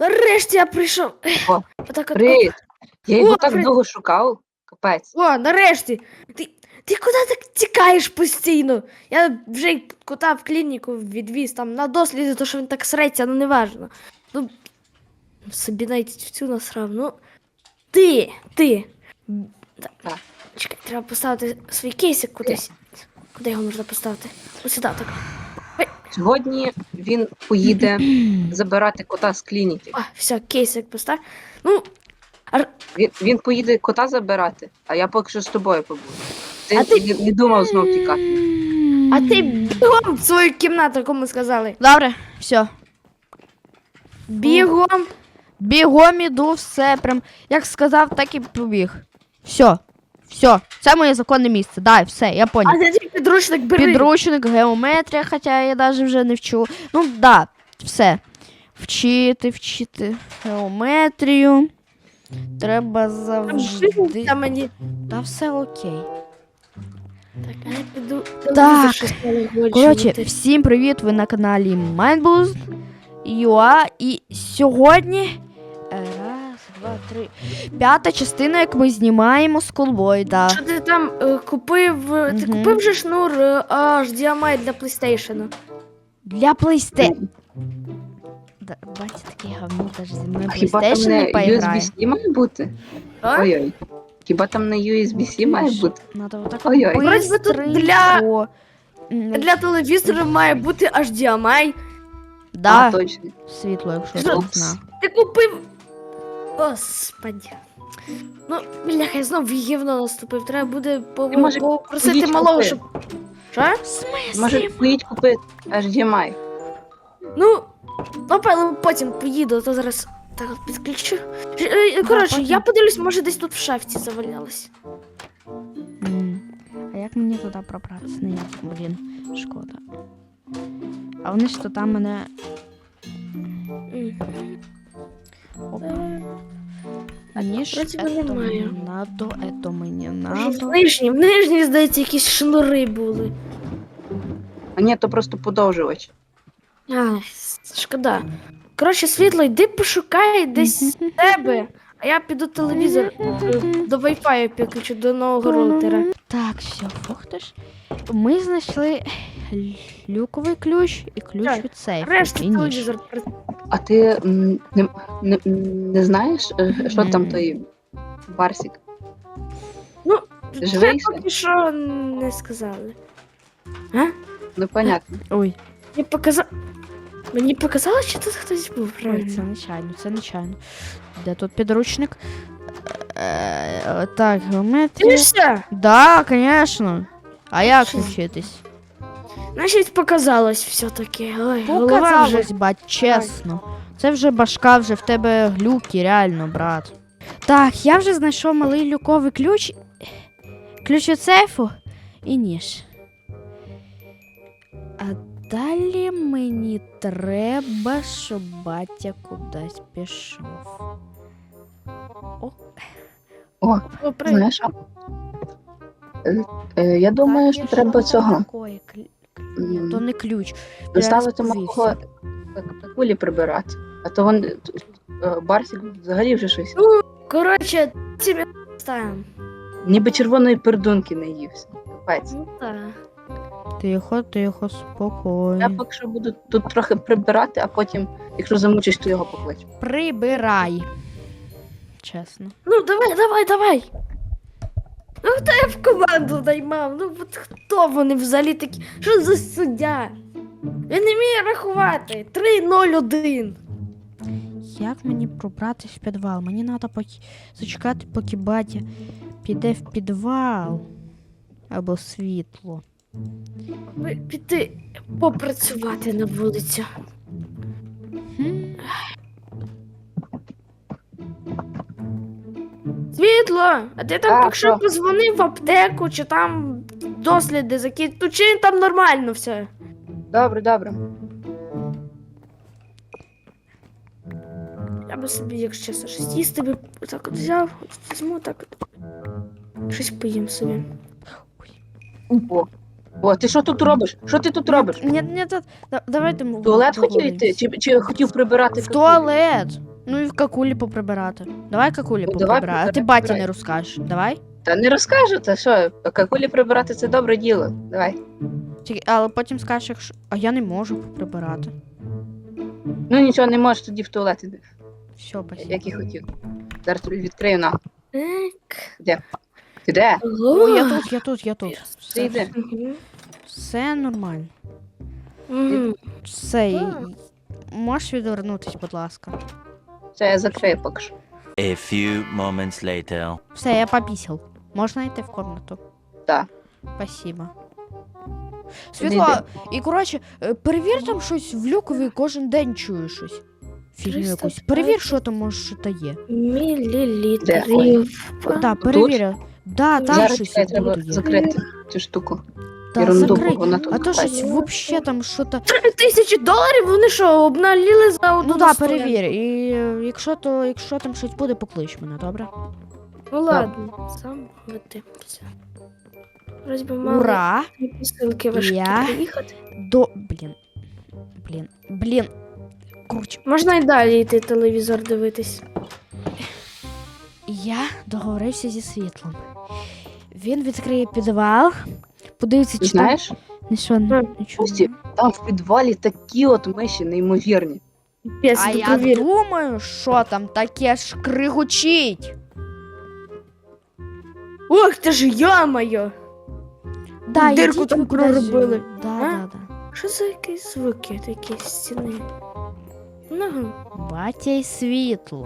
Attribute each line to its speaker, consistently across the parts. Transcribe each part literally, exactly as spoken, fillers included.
Speaker 1: Нарешті я прийшов.
Speaker 2: О,
Speaker 1: Отак от.
Speaker 2: привіт. Я його
Speaker 1: О,
Speaker 2: так
Speaker 1: привіт.
Speaker 2: довго шукав. Капець.
Speaker 1: О, нарешті. Ти, ти куди так тікаєш постійно? Я вже й кота в клініку відвіз там на досліди, то що він так среться, ну не важно. Ну, собі навіть в цю насрав. Ну, ти, ти. Так.
Speaker 2: Так.
Speaker 1: Чекай, треба поставити свій кейсик кудись. Куди його можна поставити? Ось сюди, так.
Speaker 2: Сьогодні він поїде забирати кота з клініки.
Speaker 1: А, все, кейсик постав. Ну, ар...
Speaker 2: Він, він поїде кота забирати, а я поки що з тобою побуду. Ти,
Speaker 1: А ти-
Speaker 2: не, не думав знов тікати.
Speaker 1: а ти бігом в свою кімнату, кому сказали.
Speaker 3: Добре, все.
Speaker 1: Бігом.
Speaker 3: Бігом іду, все прям. Як сказав, так і побіг. Все. Все. Це моє законне місце. Дай, все, я
Speaker 1: А
Speaker 3: поняв.
Speaker 1: де ти підручник бери?
Speaker 3: Підручник, геометрія, хоча я навіть вже не вчу. Ну, да, все. Вчити, вчити геометрію. Треба
Speaker 1: Там
Speaker 3: завжди.
Speaker 1: жизнь та мені.
Speaker 3: Та все окей.
Speaker 1: Так, а я піду.
Speaker 3: Так.
Speaker 1: телевізор щось перегорчувати.
Speaker 3: Коротше, всім привіт! Ви на каналі MindBoost ю а. І сьогодні. е, Раз, два, три. П'ята частина, як ми знімаємо Schoolboy, да.
Speaker 1: Що ти там е, купив? е, Ти
Speaker 3: Мгм.
Speaker 1: купив же шнур е, аж ді ем ай для PlayStation?
Speaker 3: Для PlayStation. Да, батя такий говно, теж зі мною
Speaker 2: А хіба там
Speaker 3: PlayStation не
Speaker 2: не
Speaker 3: поіграє.
Speaker 2: ю ес бі-C має бути?
Speaker 1: А?
Speaker 2: Ой-ой. Хіба там не ю ес бі-C має бути?
Speaker 3: Надо отак
Speaker 2: Ой-ой.
Speaker 1: Вроді би тут
Speaker 3: бистренько.
Speaker 1: для-
Speaker 3: М,
Speaker 1: Для телевізора має бути аж ді ем ай.
Speaker 2: А,
Speaker 3: Да,
Speaker 2: точно.
Speaker 3: світло, якщо
Speaker 1: Що?
Speaker 3: ти не знав.
Speaker 1: Ти купив. Господи. Ну, бляха, я знов в гівно наступив. Треба буде по-
Speaker 2: Ти, може,
Speaker 1: попросити
Speaker 2: поїдь
Speaker 1: малого,
Speaker 2: купи.
Speaker 1: щоб. Що?
Speaker 3: В смислі?
Speaker 2: Може, поїдь купити аж ді ем ай.
Speaker 1: Ну, напевно, потім поїду, а то зараз так от підключу. Ж- е, Коротше,
Speaker 3: потім.
Speaker 1: я подивлюсь, може десь тут в шафті завалялось.
Speaker 3: М, А як мені туди пробратися? Ніяк, блін, шкода. А вони ж то там мене.
Speaker 1: М.
Speaker 3: Оп.
Speaker 1: Е,
Speaker 3: Мені ж
Speaker 1: вроді би
Speaker 3: ето
Speaker 1: немає.
Speaker 3: мені надо, ето мені
Speaker 1: Може, в
Speaker 3: надо.
Speaker 1: нижній, в нижній, здається, якісь шнури були.
Speaker 2: А ні, то просто подовжувач.
Speaker 1: А, с- шкода. Коротше, світло, йди пошукай десь тебе. А я піду телевізор е, до Wi-Fi підключу до нового роутера.
Speaker 3: Так, все, фух ти ж. Ми знайшли лю- люковий ключ і ключ
Speaker 1: Так,
Speaker 3: від сейфу.
Speaker 1: Решта
Speaker 3: і ніж.
Speaker 1: телевізор. при-
Speaker 2: А ти м, не, не, не знаєш, е, що там
Speaker 3: Мгм.
Speaker 2: той Барсик?
Speaker 1: Ну,
Speaker 2: Живий
Speaker 1: це
Speaker 2: ще?
Speaker 1: поки що не сказали. А?
Speaker 2: Ну, понятно.
Speaker 3: Ой,
Speaker 1: Мені показало. Мені показало, що тут хтось був,
Speaker 3: ой,
Speaker 1: правильно?
Speaker 3: це нечайно, це нечайно. Де тут підручник? Е, Так, геометрія.
Speaker 1: Дивишся?
Speaker 3: Да, конечно. А як
Speaker 1: Що?
Speaker 3: вчитись?
Speaker 1: Значить, показалось все-таки. Ой, голова вже.
Speaker 3: Показалось, бать, чесно. Це вже башка, вже в тебе глюки, реально, брат. Так, я вже знайшов малий люковий ключ. Ключ від сейфу і ніж. А далі мені треба, щоб батя кудись пішов. О,
Speaker 2: О,
Speaker 1: О, привіт.
Speaker 2: знаєш, що? Е, е, я думаю,
Speaker 3: так,
Speaker 2: що
Speaker 3: я
Speaker 2: треба
Speaker 3: там
Speaker 2: цього.
Speaker 3: такої клі- клі- Ні,
Speaker 2: М,
Speaker 3: то не ключ.
Speaker 2: Доставити
Speaker 3: Я
Speaker 2: малого кулі прибирати. А то він е, Барсик взагалі вже щось.
Speaker 1: Коротше, тебе ставимо.
Speaker 2: Ніби червоної пердунки не ївся. Капець.
Speaker 1: Ну так.
Speaker 3: Тихо, тихо,
Speaker 2: Я
Speaker 3: спокійно.
Speaker 2: поки що буду тут трохи прибирати, а потім, якщо замучиш, то його покличу.
Speaker 3: Прибирай. Чесно.
Speaker 1: Ну, давай, давай, давай. Ну, хто я в команду наймав? Ну, от хто вони взагалі такі? Що за суддя? Він не вміє рахувати. три нуль один.
Speaker 3: Як мені пробратись в підвал? Мені треба поки... зачекати, поки батя піде в підвал. Або світло.
Speaker 1: Ви піти попрацювати на вулицю.
Speaker 3: Хм.
Speaker 1: Світло! А ти там
Speaker 2: Так,
Speaker 1: поки що
Speaker 2: так.
Speaker 1: позвонив в аптеку, чи там досліди закинь. Ну, чи там нормально все?
Speaker 2: Добре, добре.
Speaker 1: Я би собі, якщо чесно, щось їсти би так от взяв, от візьму так от. Щось поїм собі.
Speaker 2: О, О, ти що тут робиш? Що ти тут робиш?
Speaker 3: Ні, ні, та- да- давайте ми
Speaker 2: В туалет хотів
Speaker 3: договоримось.
Speaker 2: йти? Чи, чи хотів прибирати?
Speaker 3: В
Speaker 2: какулі?
Speaker 3: туалет. Ну і в какулі поприбирати. Давай какулі
Speaker 2: Ну, давай
Speaker 3: поприбирати. А ти
Speaker 2: прибирай,
Speaker 3: баті
Speaker 2: прибирай.
Speaker 3: не розкажеш. Давай.
Speaker 2: Та не розкажу, та що, какулі прибирати це добре діло. Давай.
Speaker 3: Тільки- Але потім скажеш, якщо. А я не можу поприбирати.
Speaker 2: Ну нічого, не можеш тоді в туалет іди,
Speaker 3: Все, спасибо.
Speaker 2: як і хотів. Зараз тобі відкрию на.
Speaker 1: Так.
Speaker 2: Ти де?
Speaker 3: О, я тут, я тут, я тут.
Speaker 2: Ти
Speaker 3: Все,
Speaker 2: йди.
Speaker 1: Мгм.
Speaker 3: все нормально.
Speaker 1: Мгм.
Speaker 3: Все. і-
Speaker 1: Так.
Speaker 3: Можеш відвернутись, будь ласка.
Speaker 2: Все, я закрию поки що.
Speaker 4: A few moments later.
Speaker 3: Все, я попісяв. Можна йти в комнату?
Speaker 2: Так.
Speaker 3: Спасибо.
Speaker 2: Іди,
Speaker 3: Світла, і коротше, е, перевір там щось в люкові, кожен день чую щось. Фігню
Speaker 1: триста
Speaker 3: якусь.
Speaker 1: п'ять.
Speaker 3: Перевір, що там може що то є.
Speaker 1: Мілілітрів.
Speaker 3: Так, перевір. Да, там
Speaker 2: Зараз
Speaker 3: щось
Speaker 2: чекай, треба
Speaker 3: буде є.
Speaker 2: закрити цю штуку.
Speaker 3: Да,
Speaker 2: Ерунду,
Speaker 3: закрий.
Speaker 2: бо вона тут.
Speaker 3: А то
Speaker 2: лежить.
Speaker 3: щось вообще там що то.
Speaker 1: Три тисячі доларів вони що, обналіли за одну
Speaker 3: Ну да,
Speaker 1: стоянку?
Speaker 3: перевір. І е, якщо то, якщо там щось буде, поклич мене, добре?
Speaker 1: Ну ладно, сам витипся. Вроді би мали
Speaker 3: Ура!
Speaker 1: дві посилки важкі
Speaker 3: Я-
Speaker 1: приїхати.
Speaker 3: До. Блін. Блін. Блін. Коротше,
Speaker 1: Можна і далі йти телевізор дивитись.
Speaker 3: я договорився зі світлом. Він відкриє підвал, подивиться,
Speaker 2: Ти
Speaker 3: чи там
Speaker 2: знаєш,
Speaker 3: нічого,
Speaker 1: Мгм.
Speaker 3: нічого.
Speaker 2: Кості, там в підвалі такі от миші неймовірні.
Speaker 1: Пес,
Speaker 3: А я
Speaker 1: провір.
Speaker 3: думаю, що там таке ж кригучить.
Speaker 1: Ох, ти ж я-моє!
Speaker 3: Да,
Speaker 1: Дирку
Speaker 3: ідіть
Speaker 1: там
Speaker 3: ви кудись.
Speaker 1: проробили.
Speaker 3: Да,
Speaker 1: А?
Speaker 3: да, да.
Speaker 1: Що за якісь звуки такі з стіни? Ну,
Speaker 3: Батя й світло.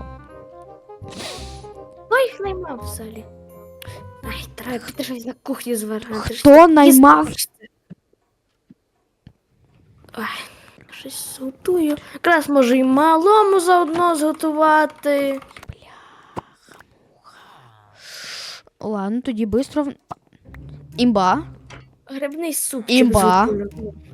Speaker 1: хто їх наймав взагалі? Ай, треба піти щось на кухні зварити.
Speaker 3: Хто наймав?
Speaker 1: Ой, щось готую. Якраз можу і малому заодно зготувати.
Speaker 3: Ладно, тоді бистро. в- Імба.
Speaker 1: Грибний супчик
Speaker 3: Імба.
Speaker 1: зготую.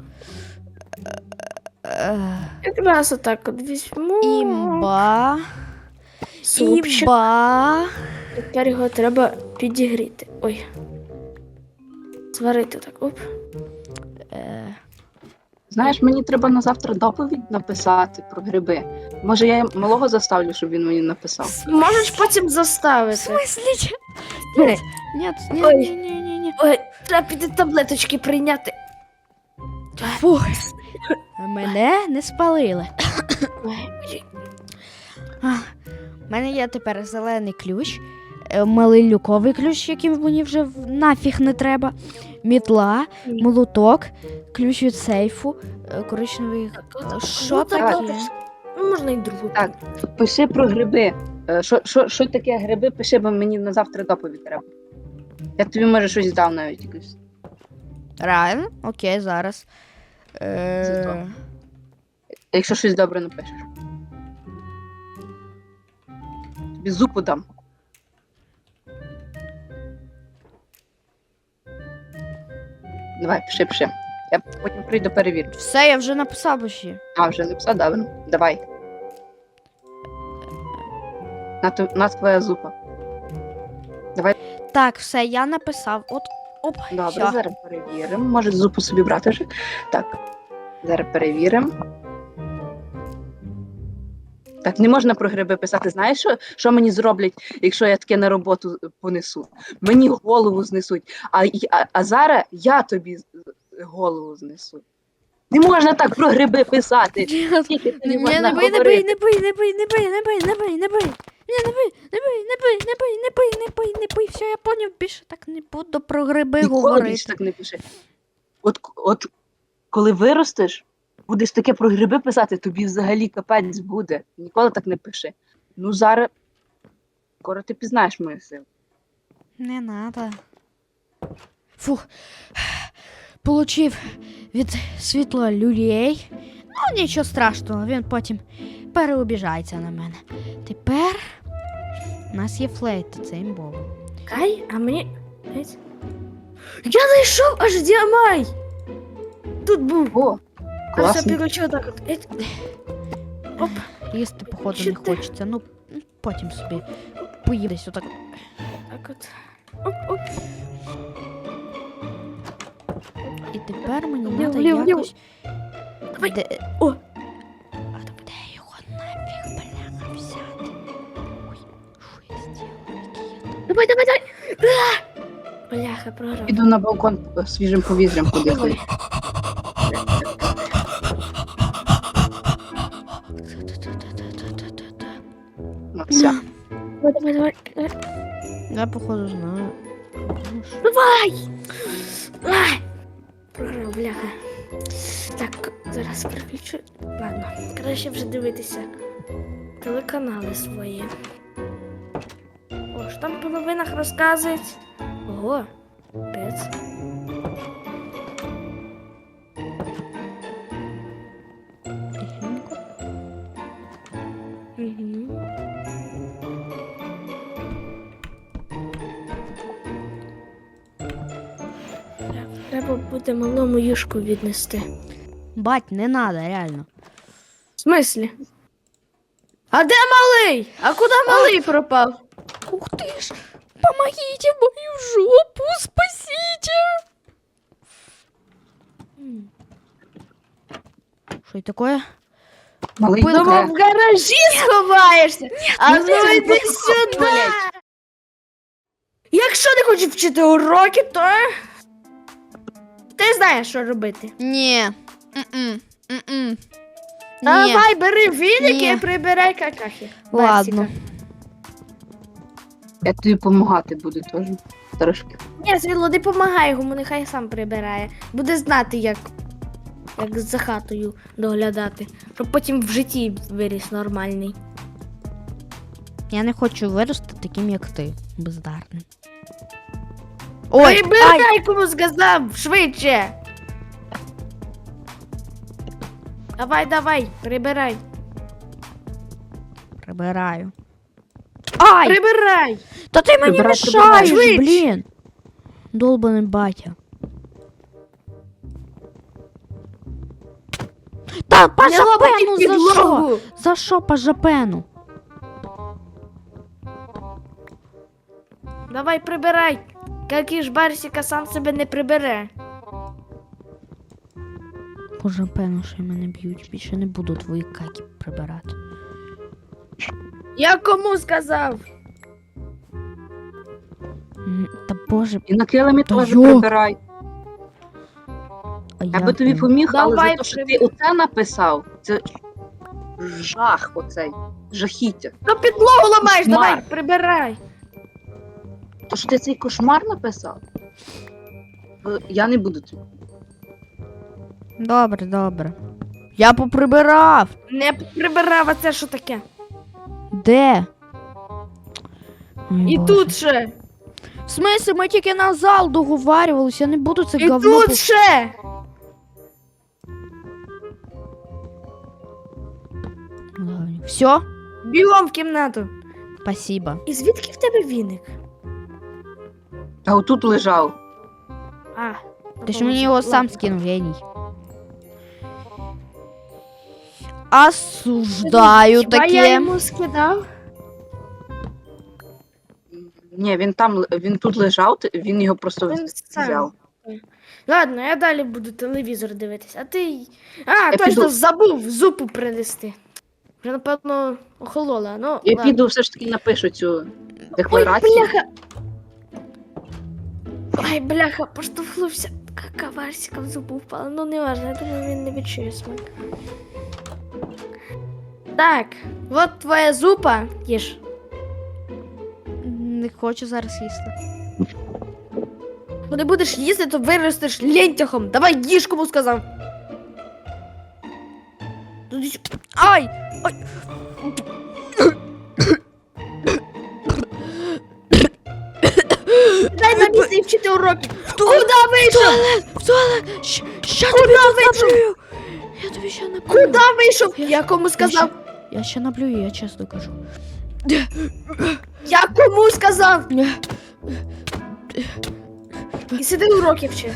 Speaker 3: Е,
Speaker 1: Якраз отак от візьму.
Speaker 3: Імба.
Speaker 1: Супчик.
Speaker 3: Імба.
Speaker 1: Тепер його треба підігріти. Ой. Зварити так. Оп.
Speaker 3: Е,
Speaker 2: Знаєш, мені треба на завтра доповідь написати про гриби. Може, я малого заставлю, щоб він мені написав.
Speaker 1: Можеш потім
Speaker 3: В
Speaker 1: заставити.
Speaker 3: смислі?
Speaker 1: Ой,
Speaker 3: Ні, ні,
Speaker 1: Ой.
Speaker 3: ні, ні, ні, ні.
Speaker 1: ой, треба піти таблеточки прийняти.
Speaker 3: Фух. Мене не спалили.
Speaker 1: Ой,
Speaker 3: У мене є тепер зелений ключ, е, малий люковий ключ, який мені вже в- нафіг не треба, мітла,
Speaker 1: Ні.
Speaker 3: молоток, ключ від сейфу, е, коричневий.
Speaker 1: от-
Speaker 3: Що
Speaker 1: ну, так,
Speaker 3: таке?
Speaker 1: Ну, можна і другу.
Speaker 2: Так. Пиши про гриби. Е, Що, що, що таке гриби, пиши, бо мені на завтра доповідь треба. Я тобі, може, щось дав навіть якось.
Speaker 3: Реально? Окей, зараз. Е,
Speaker 2: Зато. Якщо щось добре напишеш. Тобі зупу дам. Давай, пиши, пиши. Я потім прийду перевірю.
Speaker 3: все, я вже написав почти.
Speaker 2: А, вже написав, добре. Давай. На, ту- на твоя зупа.
Speaker 3: Так, все, я написав. От, оп,
Speaker 2: Добре,
Speaker 3: все.
Speaker 2: зараз перевіримо. Може зупу собі брати вже. Так. Зараз перевіримо. Так, не можна про гриби писати. Знаєш, що, що мені зроблять, якщо я таке на роботу понесу? Мені голову знесуть. А, й- а, а зараз я тобі з- голову знесу. Не можна так про гриби писати. Тільки це
Speaker 3: Ні,
Speaker 2: не можна
Speaker 3: не бий, не
Speaker 2: говорити.
Speaker 3: бий, не бий, не бий, не бий, не бий, не бий, не бий. Ні, не бий, не бий, не бий, не бий, не бий, не бий, не бий. Все, я поняв, більше так не буду про гриби
Speaker 2: Ніколи
Speaker 3: говорити.
Speaker 2: більше так не пиши. От, от коли виростеш, будеш таке про гриби писати, тобі взагалі капець буде. Ніколи так не пиши. Ну зараз скоро ти пізнаєш мою силу.
Speaker 3: Не надо. Фух. Получив від світла люлей. Ну, нічого страшного, він потім переобіжається на мене. Тепер у нас є флейта, це імбово.
Speaker 1: Кай, а мені. Геть. Я знайшов аж діамай! Тут був.
Speaker 2: О,
Speaker 1: А все
Speaker 2: класно.
Speaker 1: підключив так от. Геть. Оп.
Speaker 3: Їсти, походу,
Speaker 1: Що
Speaker 3: не
Speaker 1: ти?
Speaker 3: хочеться. Ну, ну, потім собі поїдесь отак.
Speaker 1: Так от. Оп, оп.
Speaker 3: І тепер мені
Speaker 1: Вліво,
Speaker 3: треба
Speaker 1: вліво, вліво.
Speaker 3: якось.
Speaker 1: Давай.
Speaker 3: Де...
Speaker 1: О.
Speaker 3: А то де його нафіг бляха взяти?
Speaker 1: Давай, давай, давай. А! Бляха, програв.
Speaker 2: Піду на балкон е, свіжим повітрям подихаю. Ну, все.
Speaker 1: Давай, давай, давай.
Speaker 3: Я походу знаю.
Speaker 1: Давай! Ай! Програв, бляха. Так, зараз переключу. Ладно, краще вже дивитися телеканали свої. О, що там по новинах розказують? Ого, пець. Угу. Треба буде малому юшку віднести.
Speaker 3: Бать, не надо, реально.
Speaker 1: В смислі? А де малий? А куди малий пропав?
Speaker 3: Ух ты ж! Помогите мою жопу, спасите! Что это такое?
Speaker 2: Малий
Speaker 3: Думав,
Speaker 1: Думав,
Speaker 2: таке.
Speaker 1: в гаражі сховаєшся. А
Speaker 2: ну
Speaker 1: ну
Speaker 2: ти
Speaker 1: йди
Speaker 2: ж
Speaker 1: сюди.
Speaker 2: блядь.
Speaker 1: Якщо не хочеш вчити уроки, то ти знаєш, що робити.
Speaker 3: Не. М-м. М-м. Не.
Speaker 1: Давай, бери віник
Speaker 3: Ні.
Speaker 1: і прибирай какахи.
Speaker 3: Ладно.
Speaker 1: Барсика.
Speaker 2: Я тобі допомагати буду теж. Трошки.
Speaker 1: Ні, Світло, не помагай йому, нехай сам прибирає. Буде знати, як, як за хатою доглядати. Щоб потім в житті виріс нормальний.
Speaker 3: Я не хочу вирости таким, як ти, бездарним. Ой, ай,
Speaker 1: Прибирай, кому сказав, швидше. Давай, давай, прибирай.
Speaker 3: прибираю. Ай!
Speaker 1: Прибирай.
Speaker 3: Та ти мені
Speaker 2: Прибирай,
Speaker 3: мішаєш,
Speaker 1: прибирай.
Speaker 3: блін. Долбаний батя. Та по
Speaker 1: Не лопати
Speaker 3: жапену за що?
Speaker 1: підлогу.
Speaker 3: За що по жапену?
Speaker 1: Давай, прибирай. Який ж Барсика сам себе не прибере.
Speaker 3: По жапену, що мене б'ють. Більше не буду твої каки прибирати.
Speaker 1: Я кому сказав?
Speaker 3: М, Та боже,
Speaker 2: І на килимі
Speaker 3: Та
Speaker 2: теж
Speaker 3: йок.
Speaker 2: прибирай.
Speaker 3: а
Speaker 2: Я
Speaker 3: як
Speaker 2: би тобі
Speaker 3: він?
Speaker 2: поміг, але
Speaker 1: Давай,
Speaker 2: за те, що ти
Speaker 1: прибирай.
Speaker 2: оце написав, це жах оцей. Жахіття.
Speaker 1: Ну підлогу ламаєш,
Speaker 2: Кошмар.
Speaker 1: давай, прибирай.
Speaker 2: То що ти цей кошмар написав? Е, Я не буду тобі.
Speaker 3: Добре, добре. Я поприбирав.
Speaker 1: Не прибирав, а це що таке?
Speaker 3: Де? Ой,
Speaker 1: І
Speaker 3: Боже.
Speaker 1: тут ще.
Speaker 3: В смысле, ми тільки на зал договарювалися, я не буду це
Speaker 1: І
Speaker 3: говно.
Speaker 1: тут ще.
Speaker 3: Все?
Speaker 1: Бігом в кімнату.
Speaker 3: Спасибо.
Speaker 1: І звідки в тебе віник?
Speaker 2: А отут лежав.
Speaker 1: А.
Speaker 3: Ти ж мені його сам
Speaker 1: Ладно.
Speaker 3: скинув, геній. Осуждаю
Speaker 1: Хіба я
Speaker 3: таке.
Speaker 1: йому скидав?
Speaker 2: Ні, він там, л- він тут лежав, ти- він його просто
Speaker 1: Він сам.
Speaker 2: взяв.
Speaker 1: Ладно, я далі буду телевізор дивитися, а ти. А,
Speaker 2: Я
Speaker 1: точно
Speaker 2: піду.
Speaker 1: забув зупу принести. Вже, напевно, охолола. Ну,
Speaker 2: Я
Speaker 1: ладно.
Speaker 2: піду все ж таки напишу цю
Speaker 1: Ой,
Speaker 2: декларацію.
Speaker 1: бляха! Ой, бляха, поштовхнувся. Кака Варсика в зубу впала. Ну, не важно, я думаю, він не відчує смак. Так, от твоя зупа. Їж.
Speaker 3: Не хочу зараз їсти.
Speaker 1: Бо не будеш їсти, то виростеш лентяхом. Давай їж, кому сказав. Ну, ти що?
Speaker 3: Ай! Ай!
Speaker 1: Дай на місце і вчити уроки. Куди вийшов?
Speaker 3: В туалет! Щ- Ща
Speaker 1: Куди
Speaker 3: тобі тут
Speaker 1: вийшов?
Speaker 3: наплюю! Я тобі ще наплюю.
Speaker 1: Куди вийшов? Я кому сказав?
Speaker 3: Я ще наплюю, я чесно кажу.
Speaker 1: Я кому сказав?
Speaker 3: Ні.
Speaker 1: І сиди уроки вчи.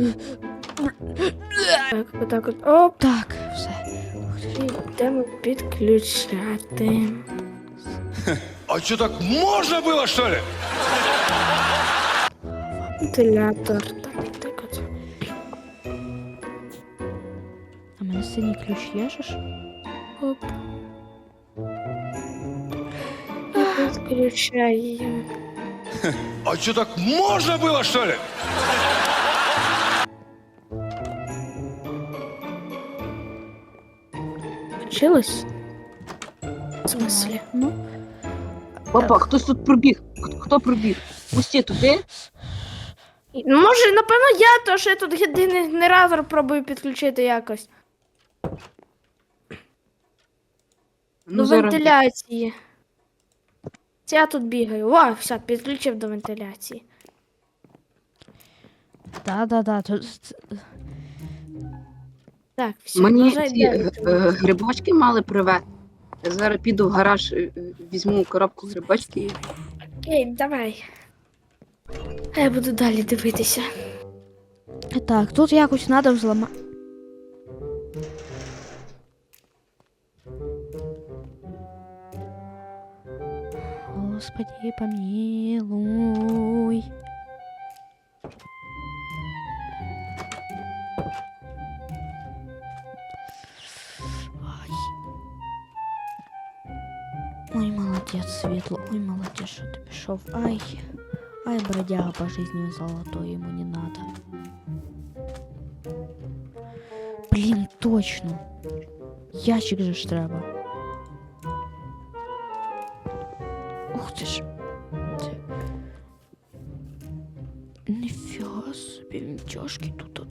Speaker 1: Так, отак от. Оп.
Speaker 3: Так, все.
Speaker 1: І йдемо підключати.
Speaker 5: А что, так можно было, что ли?
Speaker 1: Вентилятор. Так, так от.
Speaker 3: А в мене синій ключ є ж?
Speaker 1: Оп. І підключаємо.
Speaker 5: А что, так можно было, что ли?
Speaker 1: Вчилась? В смислі?
Speaker 3: Ну,
Speaker 2: Опа, хтось тут пробіг. Хто- Хто пробіг? Пусті туди.
Speaker 1: Ну, може, напевно, я, то що я тут єдиний генератор пробую підключити якось. До
Speaker 2: зараз.
Speaker 1: вентиляції. Це я тут бігаю. О, все, підключив до вентиляції.
Speaker 3: да-да-да. Тут...
Speaker 1: Так, все,
Speaker 2: Мені
Speaker 1: можна
Speaker 2: ці
Speaker 1: йде
Speaker 2: е,
Speaker 1: від
Speaker 2: е, грибочки мали привезти. Я зараз піду в гараж, е, е, візьму коробку грибочки.
Speaker 1: Окей, давай. А я буду далі дивитися.
Speaker 3: Так, тут якось треба взламати. Господи, помилуй. Ай. Ой, молодец, Светло. Ой, молодец, что ты пішов. Ай. Ай, бродяга по жизни золотой, ему не надо. Блин, точно. Ящик же ж треба. Ух ты ж. Це- Нифига себе, він тяжкий тут.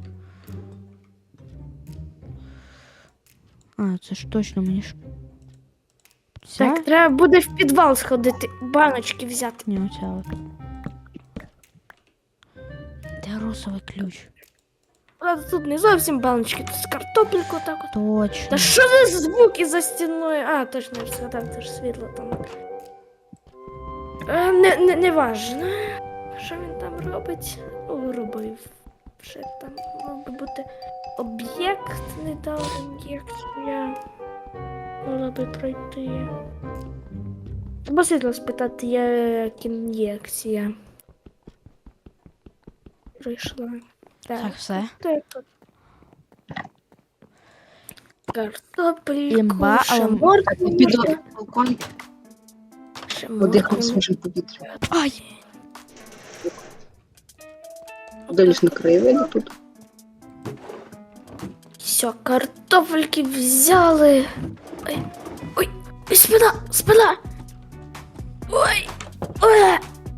Speaker 3: А, це ж точно мені ж. Ця?
Speaker 1: Так, треба буде в підвал сходити, баночки взяти.
Speaker 3: Ні, оця от. Де розовий ключ?
Speaker 1: Правда, тут не зовсім баночки, тут з картопельку так от.
Speaker 3: Точно.
Speaker 1: Та що за звуки за стіною? А, точно, я ж згадав, це ж світло там. Е, не, не, не важно. Що він там робить? О, робив. Ще там мав би бути об'єкт, не дав ін'єкцію. Я могла би пройти. Треба світло спитати, як ін'єкція. Прийшла.
Speaker 3: Так, все.
Speaker 1: Так. Картопельку,
Speaker 3: Імба, але-
Speaker 2: Так, я
Speaker 1: моркву,
Speaker 2: піду на балкон,
Speaker 1: ще
Speaker 2: подихаю
Speaker 1: моркву.
Speaker 2: свіжим повітрям.
Speaker 3: Ай!
Speaker 2: Далі ж на краєвиді тут.
Speaker 1: Все, картофельки взяли. Ой, ой, ой, спина, спина. Ой, ой.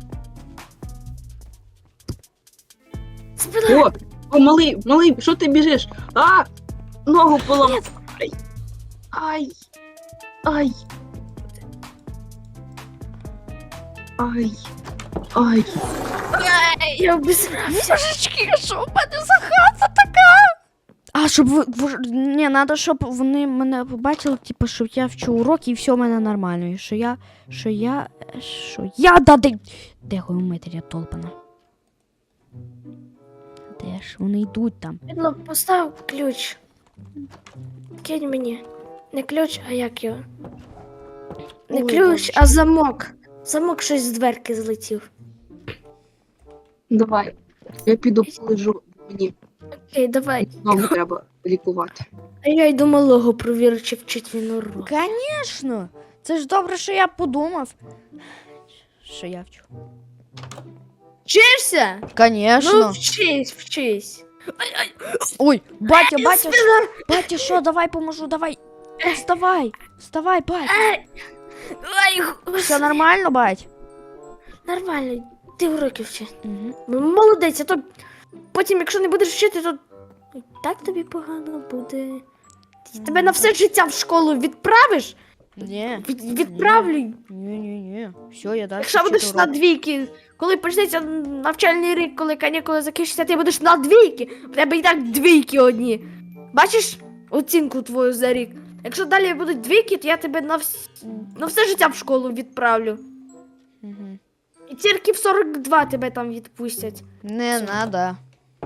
Speaker 1: Спина.
Speaker 2: О, о, малий, малий, що ти біжиш? А! Ногу поламав. Ай. Ай. Ай. Ай. Ай.
Speaker 1: Ай, я обісрався.
Speaker 3: Божечки, що в мене за хата така? А, щоб ви... ви- Ні, треба, щоб вони мене побачили, типу, що я вчу уроки і все в мене нормально. І що я... Що я... Що я... Да, де... Де геометрія толпана? Де ж вони йдуть там?
Speaker 1: Підло, постав ключ. Кинь мені. Не ключ, а як його? Не
Speaker 3: Ой,
Speaker 1: ключ,
Speaker 3: божечки.
Speaker 1: а замок. Замок щось з дверки злетів.
Speaker 2: Давай. Я піду полежу. Мені
Speaker 1: Окей, давай.
Speaker 2: ногу треба лікувати.
Speaker 1: А я йду малого провірю, чи вчить він урок.
Speaker 3: Конечно! Це ж добре, що я подумав. Що я вчу.
Speaker 1: Вчишся?
Speaker 3: Конечно.
Speaker 1: Ну, вчись, вчись.
Speaker 3: Ой, батя, батя,
Speaker 1: Спина.
Speaker 3: батя, що, давай поможу, давай. Вставай, вставай, бать.
Speaker 1: Ай. Ай, гу-
Speaker 3: Все нормально, бать?
Speaker 1: Нормально, ти уроки вчи.
Speaker 3: Угу.
Speaker 1: Ну, молодець, а то потім, якщо не будеш вчити, то і так тобі погано буде. Тебе на все життя в школу відправиш?
Speaker 3: Ні.
Speaker 1: Від, відправлю.
Speaker 3: Ні-ні-ні. Все, я далі.
Speaker 1: Якщо будеш на двійки, коли почнеться навчальний рік, коли канікули закінчаться, ти будеш на двійки. В тебе і так двійки одні. Бачиш оцінку твою за рік? Якщо далі будуть двійки, то я тебе на, вс... на все життя в школу відправлю.
Speaker 3: Угу.
Speaker 1: І тільки в сорок два тебе там відпустять.
Speaker 3: Не
Speaker 1: Все.
Speaker 3: надо.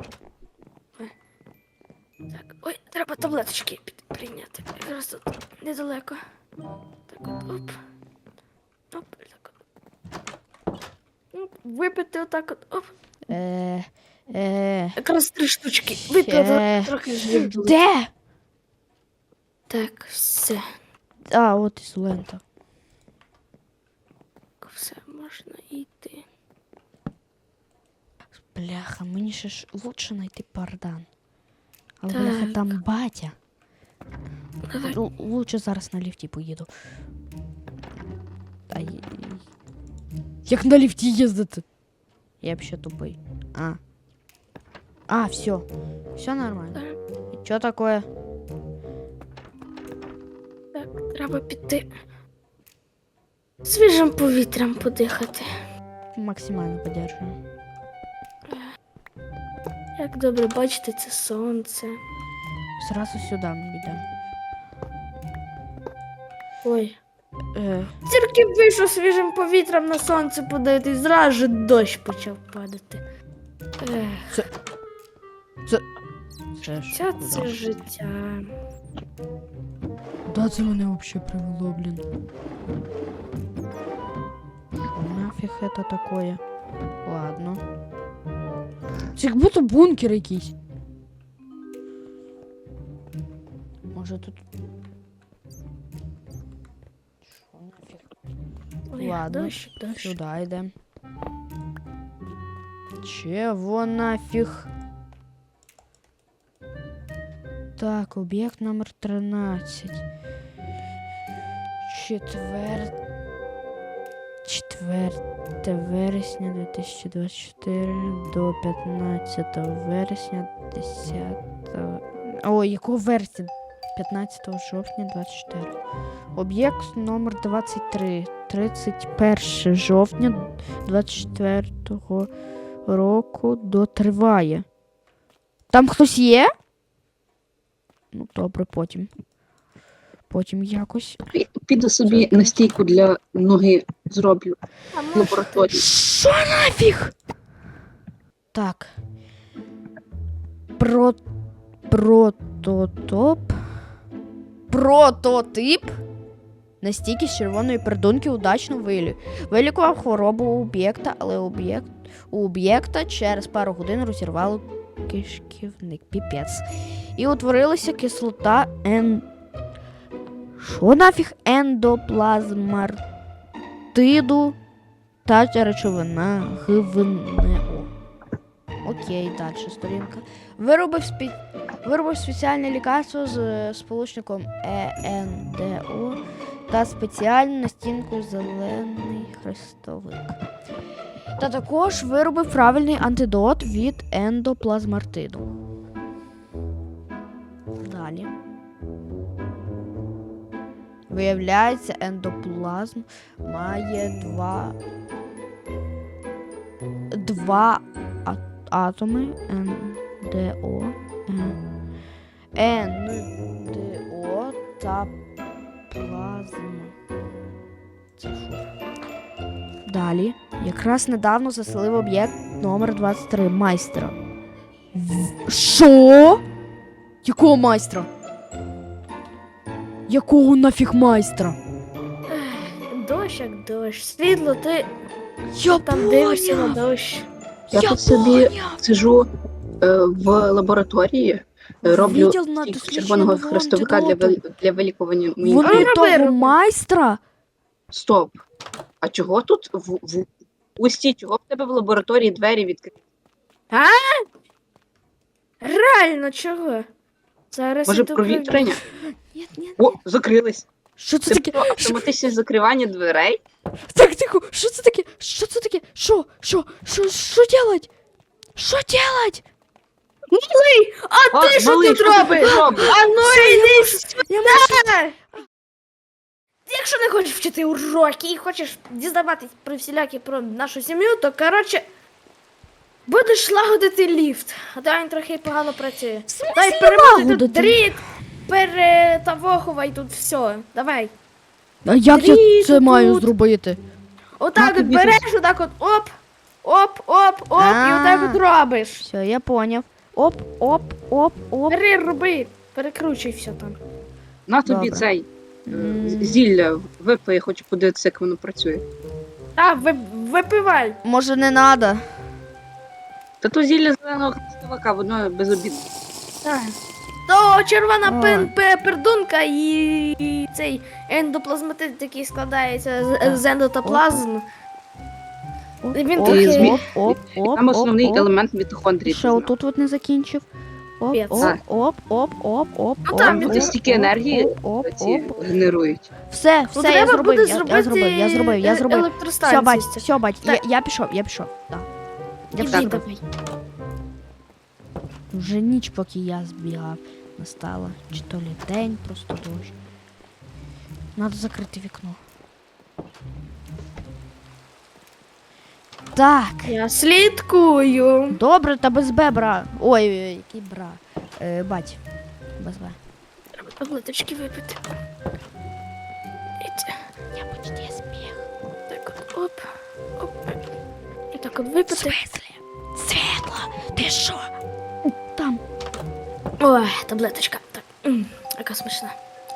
Speaker 1: Так, ой, треба таблеточки під- прийняти. Якраз тут недалеко. Так от, оп. Оп, так от. Оп, випити отак от, оп.
Speaker 3: Е, е,
Speaker 1: Якраз три штучки. Випила
Speaker 3: Ще.
Speaker 1: трохи жив.
Speaker 3: де?
Speaker 1: Так, все.
Speaker 3: А, от і лента.
Speaker 1: Все, можна йти.
Speaker 3: Бляха, мені ще ж лучше знайти пардан. Але
Speaker 1: Так.
Speaker 3: бляха, там батя.
Speaker 1: Давай.
Speaker 3: Л- лучше зараз на ліфті поїду. Та й- Як на ліфті їздити? Я б ще тупий. А. А, все. Все нормально. І що таке?
Speaker 1: Так, треба піти. Свіжим повітрям подихати.
Speaker 3: Максимально подержую.
Speaker 1: Як добре бачити це сонце.
Speaker 3: Зразу сюди ми йдемо.
Speaker 1: Ой.
Speaker 3: Е,
Speaker 1: Тільки вийшов свіжим повітрям на сонце подивитись, зразу ж дощ почав падати. Ех,
Speaker 3: це ж
Speaker 1: ця
Speaker 3: куди?
Speaker 1: це життя.
Speaker 3: Куда це мене вообще привело, блін? Що нафіг это такое? Ладно. Це як будто бункер якийсь. Може тут. Що нафіг?
Speaker 1: Ой,
Speaker 3: Ладно,
Speaker 1: дощ, дощ.
Speaker 3: Сюди йдемо. Чего нафіг? Так, об'єкт номер тринадцять. Четвер... Четверте вересня дві тисячі двадцять чотири до п'ятнадцятого вересня десятого... Ой, якого вересня? п'ятнадцятого жовтня двадцять чотири. Об'єкт номер двадцять три. тридцять перше жовтня двадцять четвертого року дотриває. Там хтось є? Ну, добре, потім. Потім якось.
Speaker 2: Пі- Піду собі настійку для ноги зроблю
Speaker 1: А
Speaker 2: в
Speaker 1: може
Speaker 2: лабораторії.
Speaker 3: Що нафіг? Так. Про... Прототоп. Прототип. Настільки з червоної пердунки удачно вилі. Вилікував хворобу у об'єкта, але об'єкт у об'єкта через пару годин розірвало кишківник. Піпець. І утворилася кислота ен... Що нафіг? Ендоплазмартиду та речовина ГВНО. Окей, далі сторінка. Виробив, спі... Виробив спеціальне лікарство з е, сполучником ЕНДО та спеціальну настінку зелений хрестовик. Та також виробив правильний антидот від ендоплазмартиду. Далі. Виявляється, ендоплазм має два, два а- атоми НДО, Е- НДО та плазма. Це що? Далі. Якраз недавно заселив об'єкт номер двадцять три майстра. В- Що? Якого майстра? Якого нафіг майстра?
Speaker 1: дощ, як дощ. Світло, ти
Speaker 3: Я
Speaker 1: там дивишся на
Speaker 3: поняв.
Speaker 1: дощ.
Speaker 2: Я
Speaker 3: Я
Speaker 2: тут собі
Speaker 3: поняв.
Speaker 2: сижу е, в лабораторії, е, роблю
Speaker 3: Відділ на
Speaker 2: стійку
Speaker 3: дослідження
Speaker 2: червоного
Speaker 3: нового
Speaker 2: хрестовика для,
Speaker 3: антидоту.
Speaker 2: вил- для вилікування моїх.
Speaker 3: Вони
Speaker 1: Роби,
Speaker 3: того
Speaker 1: роби.
Speaker 3: майстра.
Speaker 2: Стоп. А чого тут в, в усті, чого в тебе в лабораторії двері відкриті?
Speaker 1: Реально, чого? Зараз
Speaker 2: Може,
Speaker 1: іду
Speaker 2: провітрення?
Speaker 3: Ні, ні.
Speaker 2: О, закрились.
Speaker 3: Що це
Speaker 2: Це
Speaker 3: таке?
Speaker 2: про автоматичне закривання дверей?
Speaker 3: Так, тихо, що це таке? Що це таке? Що? Що? Що? Що делать? Що делать?
Speaker 1: Малий! А ти що
Speaker 2: малий,
Speaker 1: тут
Speaker 2: ти
Speaker 1: робиш?
Speaker 2: робиш?
Speaker 1: А ну йди сюди!
Speaker 3: Я можу...
Speaker 1: Якщо не хочеш вчити уроки і хочеш дізнаватись про всілякі про нашу сім'ю, то коротше будеш лагодити ліфт. А то він трохи погано працює. Дай перемотуй тут
Speaker 3: лагодити?
Speaker 1: дріт, перетавохувай тут все. Давай.
Speaker 3: А як я
Speaker 1: Дріт
Speaker 3: це маю
Speaker 1: тут.
Speaker 3: зробити?
Speaker 1: Отак
Speaker 2: Як
Speaker 1: от
Speaker 2: тобі
Speaker 1: береш, отак от оп, оп, оп, оп, і отак от робиш.
Speaker 3: Все, я поняв. Оп, оп, оп, оп.
Speaker 1: Бери, роби, перекручуй все там.
Speaker 2: На тобі
Speaker 3: Добре.
Speaker 2: цей е,
Speaker 3: М.
Speaker 2: з- зілля випий, я хочу подивитися, як воно працює.
Speaker 1: Так, ви, випивай.
Speaker 3: Може не надо?
Speaker 2: Та то зілля зеленого хрестовика, воно безобідне.
Speaker 1: Так. То червона
Speaker 3: Ой.
Speaker 1: пин, пе- пердунка і, і цей ендоплазматит, який складається з, з ендотоплазм.
Speaker 3: Оп,
Speaker 1: Він
Speaker 3: оп,
Speaker 1: трохи-
Speaker 3: оп, оп, оп,
Speaker 2: Там основний
Speaker 3: оп, оп.
Speaker 2: елемент мітохондрії.
Speaker 3: Ще
Speaker 2: ти знав.
Speaker 3: отут от не закінчив. Оп,
Speaker 1: Пец.
Speaker 3: оп, оп, оп, оп, оп,
Speaker 1: Ну,
Speaker 3: оп,
Speaker 1: там
Speaker 3: оп,
Speaker 2: люди стільки
Speaker 3: оп,
Speaker 2: енергії
Speaker 3: оп, оп,
Speaker 2: ці
Speaker 3: оп.
Speaker 2: генерують.
Speaker 3: Все,
Speaker 1: Ну,
Speaker 3: все, я
Speaker 1: треба
Speaker 3: зробив,
Speaker 1: буде
Speaker 3: я,
Speaker 1: зробити
Speaker 3: я зробив, я зробив, я
Speaker 1: е-
Speaker 3: зробив. Все,
Speaker 1: електростанцію.
Speaker 3: бать, все, бать, я,
Speaker 1: Так.
Speaker 3: я пішов, я пішов, так. Я
Speaker 1: Іди
Speaker 3: все
Speaker 2: так.
Speaker 3: зробив.
Speaker 1: давай.
Speaker 3: Вже ніч, поки я збігав, настала. Чи то лі день, просто дощ. Надо закрити вікно. Так,
Speaker 1: Я слідкую.
Speaker 3: добре, та без Б, бра. Ой, ой, який бра. Е, бать, без Б.
Speaker 1: Треба таблеточки випити. Іть.
Speaker 3: Я почти збіг.
Speaker 1: Так от, оп, оп. І так от випити.
Speaker 3: Світлі, світло, ти що? Там.
Speaker 1: Ой, таблеточка. Так, м, яка смачна.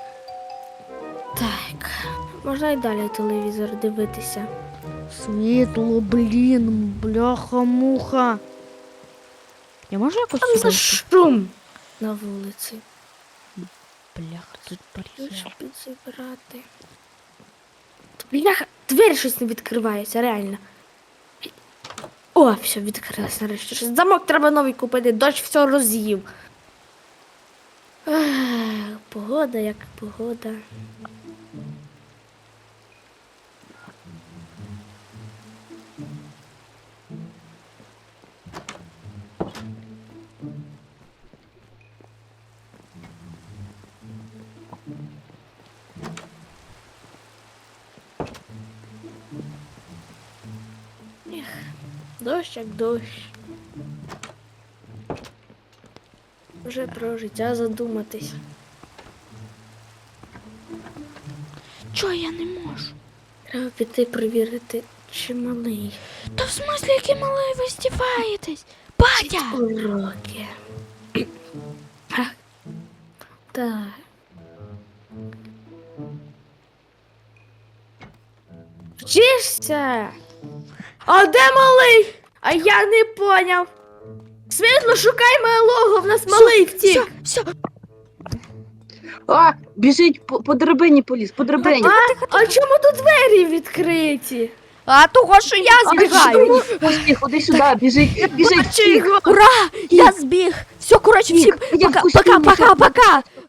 Speaker 1: Так, можна і далі телевізор дивитися.
Speaker 3: Світло, блін, бляха-муха. Я можу якось
Speaker 1: Там за
Speaker 3: сюди?
Speaker 1: шум на вулиці.
Speaker 3: Бляха, тут бар'єр.
Speaker 1: Підзабирати. Бляха, двері щось не відкриваються, реально. О, все, відкрилось нарешті. Щось. Замок треба новий купити, дощ все роз'їв. Ех, погода, як погода. Ех, дощ як дощ. Вже про життя задуматись.
Speaker 3: Чого я не можу?
Speaker 1: Треба піти перевірити, чи малий.
Speaker 3: Та в смислі, який малий ви здіваєтесь? Батя!
Speaker 1: Уроки. А, так. Вчишся? А де малий? А я не поняв. Світло, шукай малого, в нас малий втік.
Speaker 3: Все, все,
Speaker 2: А, біжить по, по драбині поліз, по драбині.
Speaker 1: А, а чому тут двері відкриті?
Speaker 3: а того, що я збігаю.
Speaker 2: Пусти, ходи сюди, біжить, біжить.
Speaker 1: Бачу його.
Speaker 3: Ура! Я збіг! Все, коротше, всім
Speaker 2: Я
Speaker 3: пока,
Speaker 2: вкусив
Speaker 3: пока,
Speaker 2: його.
Speaker 3: пока, пока!